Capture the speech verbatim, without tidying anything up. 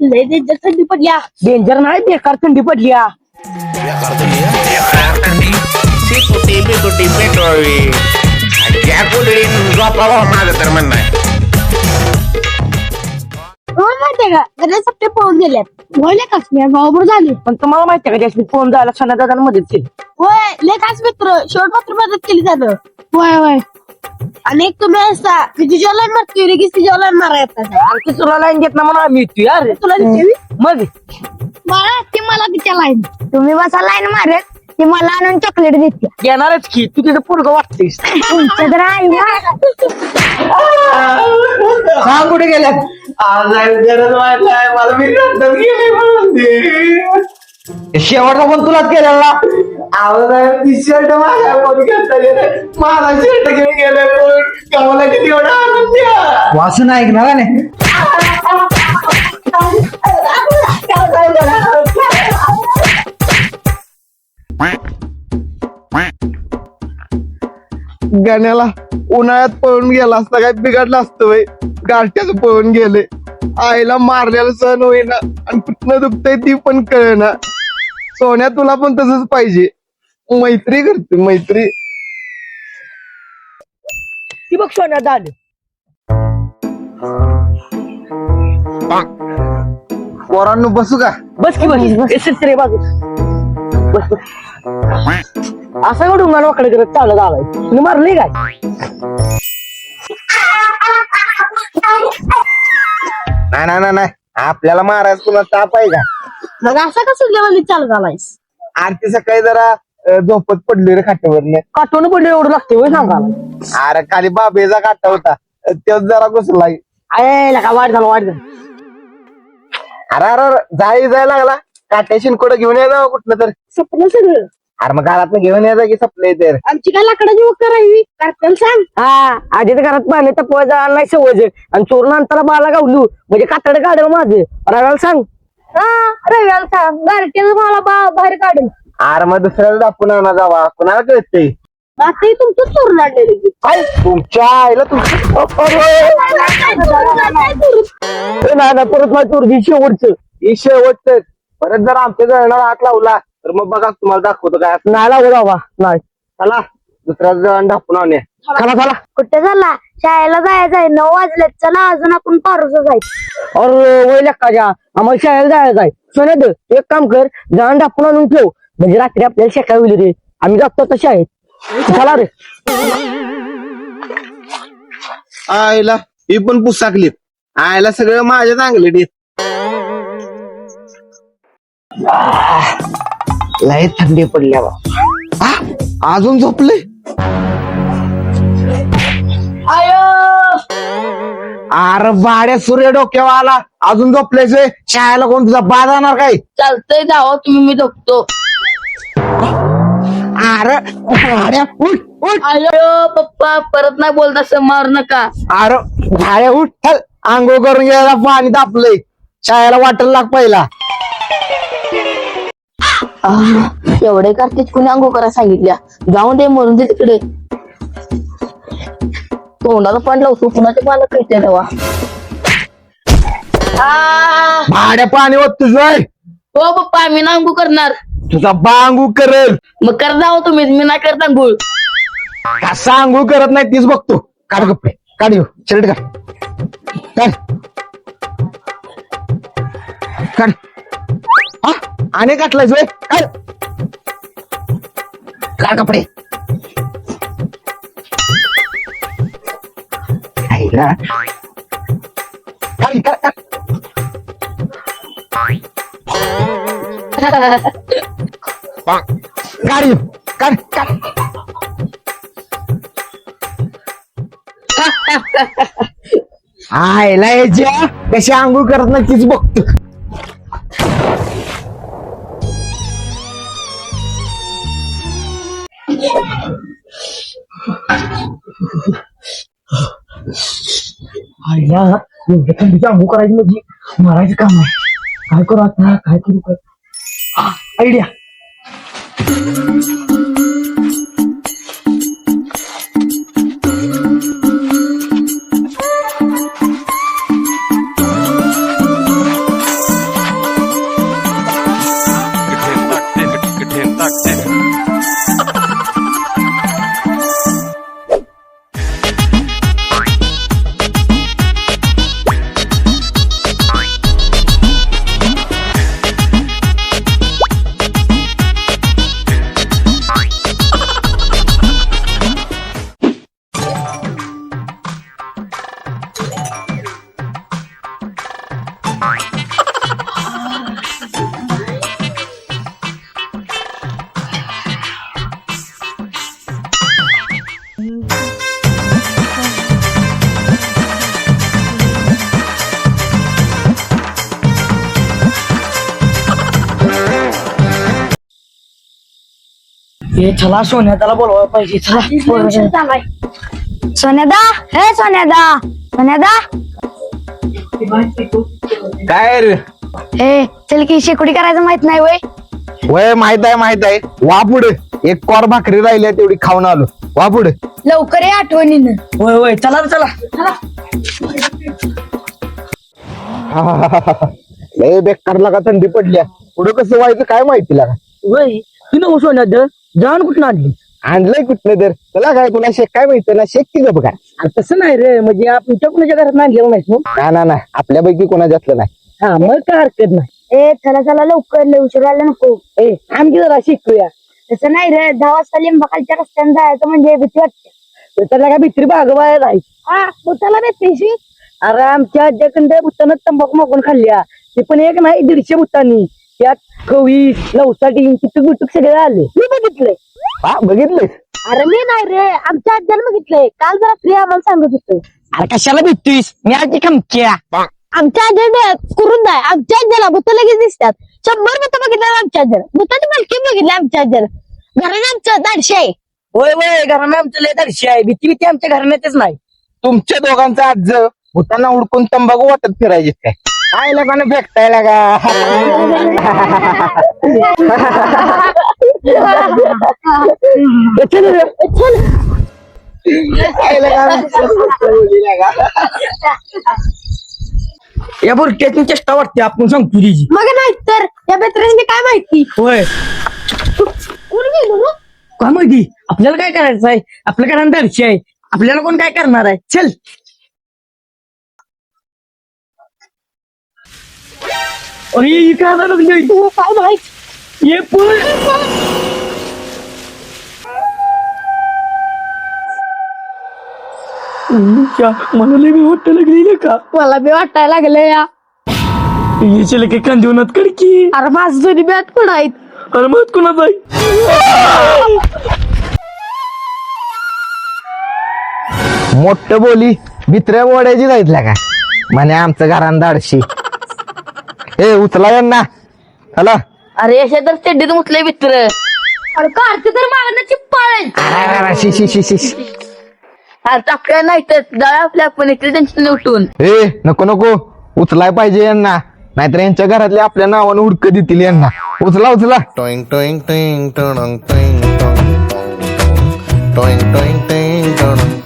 लय डेंजर थंडी पडल्या. डेंजर नाही बेकार थंडी पडली. तुटी बिटुटी पेटवावी त्या कुठे झोपावा माझं तर म्हणणं आहे. माहितीये का गणेश सप्ते पळून गेल्यात. बोलले कास मी गावावर झाले. पण तुम्हाला माहितीये का जास्मिन फोन जायला सणा दादा मदत केली. होय लेखाच मित्र शेवट मात्र मदत केली जातं. होय होय आणि एक तुम्ही असता की तुझ्या लाईन मारती लगेच तुझ्या लाईन मारा येतात. आणखी तुला लाईन घेत ना म्हणून आम्ही येतो यार. तुला देवी मग मला ती मला तिच्या लाईन तुम्ही बसा लाईन मारत ती मला आणून चॉकलेट देते. येणारच की तू तिथं पोरगं वाटतेस. तुमचं तर आहे सांग कुठे गेल्यात. आज गरज वाटलाय मला मी रद्दच गेली म्हणून शेवटचा पण तुलाच केलेला. आवाज टी शर्ट माझ्या कोणी घेता गेलं माझा शर्ट घेऊन गेलं कोण गावाला किती एवढा आनंद द्या वासून ऐकणार नाही. गाण्याला उन्हाळ्यात पळून गेला असता काय बिघडलं असतं वय गारठ्याच पळून गेले आईला मारलेला सण होईना आणि कुठनं दुखतंय ती पण कळेना. सोन्या तुला पण तसंच पाहिजे. मैत्री करते मैत्री. ती बघ सोन्यात आलं. पोरांनो बसू का. बस की बस एस रे बाजू बस बस. असं का डोंगर वाकडे करत चालत आलाय. तुम्ही मारले काय. नाही नाही नाही नाही आपल्याला महाराज तुला ताप आहे का. मग असं कसं जेवण चालत आलायस. आरती सकाळी जरा अं, झोपत पडली रे खाट्यावरनं. काटून पडले एवढं लागते होय सांगा. अरे खाली बाबेचा काटा होता तेच जरा घुसलाय. अरे का वाट झालं वाट झालं. अरे अरे जाई जायला लागला काट्या शिनकोड घेऊन यायचा कुठलं तर. सपलं सगळं अरे मग घरात घेऊन यायचा की सपलंय तर. आमची काय लाकडाची वक करावी कार्टल सांग. हा आधी तर घरात पाहिले तर पोय जायला नाही सवय आणि चोरून अंतरा बाला गावलू म्हणजे कातडे काढेल माझं. रव्याला सांग. हा रव्याला सांग गारठ्याच मला बा- बाहेर काढेल. अरे मग दुसऱ्याला दाखवून आणा जावा कुणाला कळतंय. आता तुमचं चोरून आणलेलं की. काय तुमच्या आईला तुमचं नाही ना परत माझी चोरगी शेवटचं ही शेवटच परत जर आमच्या जळणाला हात लावला तर मग बघा तुम्हाला दाखवतो काय. नाही लागू बाबा नाही. चला दुसऱ्या जण दाखवून आणूया. चला चला. कुठे झाला शाळेला जायचंय नऊ वाजलेत. चला अजून आपण पारोस जायचं. अरे वय लेक्काच्या आम्हाला शाळेला जायचं आहे. सोन्यात एक काम कर जाण डापून आणून ठेव म्हणजे रात्री आपल्याला शेकाय होईल रे. आम्ही जातो तसे आहेत. चला रे. आईला ही पण पुसाकलीत. आईला सगळं माझ्या चांगले लय थंडी पडल्या बा. अजून झोपले. अरे भाड्या सूर्य डोक्यावर आला अजून झोपलेच शाळेला कोण तुझा बा जाणार काय. चालतंय जावं तुम्ही मी झोपतो. अरे भाड्या उठ उठ. अयो पप्पा परत नाही बोलता असं मारू नका. अरे भाड्या उठ चल आंघोळ करून घ्यायला पाणी तापलंय शाळेला वाटायला लाग पहिला. एवढे कार्तिक कुणी अंघोळ करायला सांगितल्या. जाऊन दे म्हणून दे तिकडे. तोंडाला पण लावतो कुणाच्या मला कळते तेव्हा. भाड्या पाणी होत तुझं. हो पप्पा मी ना अंघोळ करणार. तुझा बा आंघोळ करेल. मग कर जावं तुम्ही मी नाही करत अंघोळ. कसा आंघोळ करत नाही तीच बघतो. काढ कपडे काढ येऊ शर्ट काढ काढ काढ. हा आणि काटलाय जोय काढ काढ कपडे. आईला. काढ काढ काढ. काढ येऊ काढ काढ. आयला याच्या कशी आंघोळ करत नाही तीच बघतो. आईला एवढ्या थंडीची आंघोळ करायची म्हणजे मारायचं काम आहे. काय करू आता काय करू काय आयडिया. ए चला सोन्या त्याला बोलवायला पाहिजे चला सोन्यादा हे सोन्यादा सोन्यादा काय रे हे चल की शेकोडी करायचं माहित नाही वय वय माहित आहे माहित आहे वा पुढे एक कोर भाकरी राहिली तेवढी खाऊन आलो वा पुढे लवकर ये आठवणीनं होय होय चला रे, चला लय बेकार लागा थंडी पडल्या पुढे कसं व्हायचं काय माहिती लागा होय तू नको सोन्या द जाण कुठं आणली आणलंय कुठलं तर तुला काय तुला शेक काय माहिती ना शेक की बघा अरे तसं नाही रे म्हणजे आपण कुणाच्या घरात आणलेलं नाही मग ना ना ना आपल्यापैकी कोणाच्यातलं नाही हा मग काय हरकत नाही ए चला चला लवकर लय उशीर व्हायला नको ए आमची जरा शिकूया तसं नाही रे दहा वाजता लिंबाखालच्या रस्त्याने जायचं म्हणजे भीती वाटते तर त्याला काय भित्री बागवाय नाही हा बुताला भेटतेशी अरे आमच्या आज्याकडे बुत्तानं तंबाखू मागून खाल्ल्या ते पण एक नाही दीडशे बुत्तांनी त्यात कवी लवसाठी किती गुटुक सगळे आले मी बघितलंय हा बघितलंय अरे मी नाही रे आमच्या आज्याला बघितलंय काल जरा फ्री आम्हाला सांगत होतं अरे कशाला भेटतोयस मी आजी खमक्या आमच्या आज्याने करून नाही आमच्या आज्याला भूत लगेच दिसतात शंभर भूत बघितलं आमच्या आज्याला भूताची मालकी बघितली आमच्या आज्याला घराने आमचं दाडशे आहे होय होय घराने आमचं लय दर्शी आहे भीती भीती आमच्या घराण्यातच नाही तुमच्या दोघांचा आज भूतांना उडकून तंबाखू वाटत फिरायचे काय काय लोकांना फेकताय लागा चल रे, चल. काय लागा या बुरट्यातून चेष्टा वाटते आपण सांगतो तिची मग नाही तर या बेत्राने काय माहिती होय कोण गेलो ना काय माहिती आपल्याला काय करायचं आहे आपल्या घरात दर्शी आहे आपल्याला कोण काय करणार आहे चल अरे ही काय लागली काय माहित ये पण मला लय मी वाटतं लागली का मला बी वाटायला लागलं या याच्या लगे कांदिवनात कडकी अरे माझं जुनी बॅट पण आहेत अरे मत कुणाच आहे मोठ बोली भित्र्या बोड्याची जायतल्या का म्हणे आमचं घरान दाडशी ए उचला यांना चला अरे अशा तर चड्डीत मुतले मित्र अरे कार्तिक तर मागण्याची पाळ शी शी शी शी अरे टाकल्या नाही तर जाऊया आपल्या आपण इकडे टेन्शन उठून ए नको नको उचलाय पाहिजे यांना नाहीतर यांच्या घरातले आपल्या नावानं हुडक देतील यांना उचला उचला Toing toing toing toing toing toing toing toing toing toing